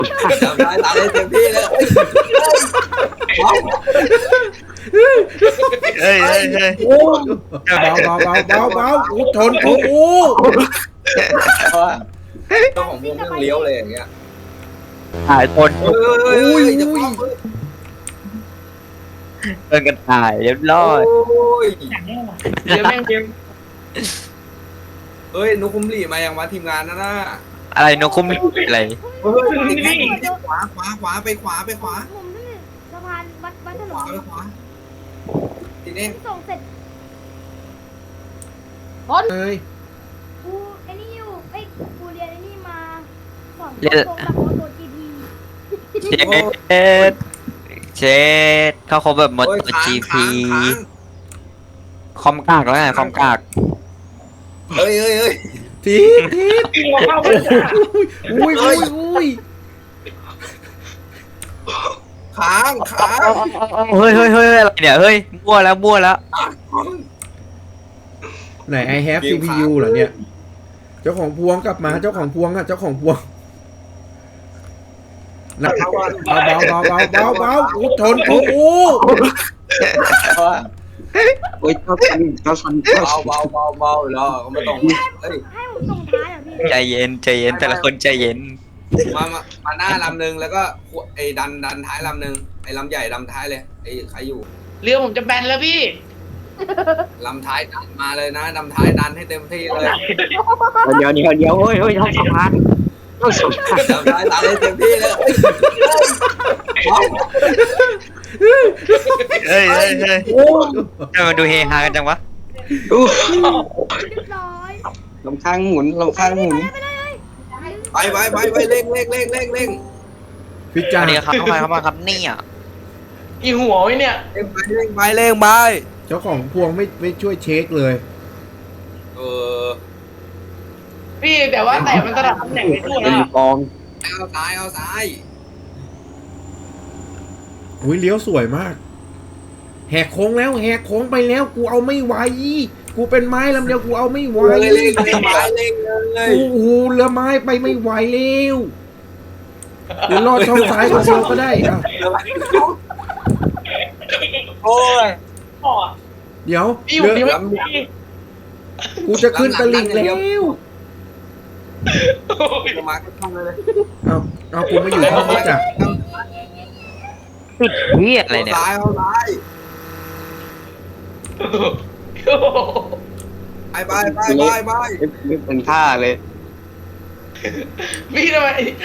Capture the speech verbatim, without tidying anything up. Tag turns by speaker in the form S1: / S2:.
S1: ทำได้ตามได้เต็มที่เลย
S2: เฮ้ยเฮ้ยเฮ้ย
S3: โอ้เบาเบาเบาเบาเบาโอ้ชนกูโอ้
S1: เจ้าของวงเรื่องเลี้ยวเลยอย่างเงี้ย
S2: ถ่ายคน
S1: เฮ้ย
S3: อุ้ย
S1: จะ
S3: อุ้ย
S2: เดินกันถ่ายเรียบร้อย
S1: โอ้ย
S4: เดี๋ยวแม่งเกม
S1: เฮ้ยนุคุมหลีมาอย่างมาทีมงานนะน่ะ
S2: อะไรนกคุ้มอะไร
S1: เฮ้ยขวาขวาขวาไปขวาไปขวา
S5: ผมนี่สะพานวัดวัดถน
S1: ขวาน ไปขวาทีนี้
S5: ส่งเสร็จ
S3: เอ้ย
S5: กูไอ้นี่อยู่เอ้ยกูเรียนไอ้นี่มาสอนตรงกับโมโตจีพี
S2: เช็ดเช็ดเข้าครบแบบหมด
S1: โอ้ย
S2: ตัว
S1: ค้าง
S2: จี
S1: ค้า
S2: พี
S1: งค้าง
S2: คอมกากแล้วไงคอมกาก
S1: เฮ้ยเฮ้ยเฮ้ย
S3: ทีทีอุ้ยอุ้ยอุ้ย
S1: ค้างค้าง
S2: เฮ้ยเฮ้ยเฮ้ยอะไรเนี่ยเฮ้ยมั่วแล้วมั่วแล้ว
S3: ไหน I have ซี พี ยู เหรอเนี่ย เจ้าของพวงกลับมาเจ้าของพวงอ่ะเจ้าของพวงเบาเบาเบาเบาเบาเบาโอ้ชนกูโอ้
S6: โอ้ยเจ้าสันเจ้าสันเจ้า
S1: เบา
S6: สัน
S1: เบาเบาเบาแล้วก็ไม่ต้องเฮ้ย
S5: ให้ผมส่งท้ายอ่ะพี่
S2: ใจเย็นใจเย็นแต่ละคนใจเย็น
S1: มามามาหน้าลำหนึ่งแล้วก็ไอ้ดันดันท้ายลำหนึ่งไอ้ลำใหญ่ลำท้ายเลยไอ้ใครอยู่
S4: เรือผมจะแบนแล้วพี่
S1: ลำท้ายดันมาเลยนะลำท้ายดันให้เต็มที่เลย
S6: เดี๋ยวเดี๋ยวเดี๋ยวเฮ้ยเฮ้ยเท่าสะพานเท่าสะพาน
S1: ลำท้ายดันให้เต็มที่เลย
S2: เฮ้ยเฮ้ยเฮ้ย
S3: โอ้
S2: ทำไมดูเฮฮากันจังวะ
S6: อู้
S5: เรียบร้อย
S6: ลำข้างหมุนลำข้างหมุน
S5: ไปเลยเลย
S1: ไปไปไปไปเร่งเร่งเร่งเร่งเร่ง
S3: พิ
S2: ส
S3: จา
S2: วั
S3: ร
S2: สดีครับเข้ามาเข้ามาครับเนี่ย
S4: อีหัวไว้เนี่ย
S1: เร่งไปเร่งไปเร่งไป
S3: เจ้าของพวงไม่ไม่ช่วยเช็คเลย
S1: เออ
S4: พี่แต่ว่าแต่มันสลับตำแหน่งไปทั่ว
S6: เป็
S4: แล้
S6: น
S4: ว
S6: ฟอง
S1: เอาซ้ายเอาซ้าย
S3: อุ้ยเลี้ยวสวยมาก แหกโค้งแล้วแหกโค้งไปแล้วกูเอาไม่ไหวกูเป็นไม้ลำเดียวกูเอาไม่ไหว
S1: เร่งเร่งเร่งไปเร่งเลย
S3: โอ้โหเรือไม้ไปไม่ไหวแล้วเดี๋ยวรอดช่องซ้ายคนเดียวก็ได้อ่ะ
S1: โอ้ย
S4: พ่อ
S3: เดี๋ยว
S4: พี่ผ
S3: เรื
S4: ม
S3: อ
S4: ยังไม่
S3: กูจะขึ้นตลิ่งแล้ว
S1: มาก็ต้องเลย
S3: เอาเอากูมาอยู่ห้องนี้จ้ะ
S2: ติดเฮียอะไรเนี่ย
S1: ซ้ายเอาซ้ายไปไปไปไปไป
S6: ไม่เป็นท่าเลย
S4: พี่ทำไม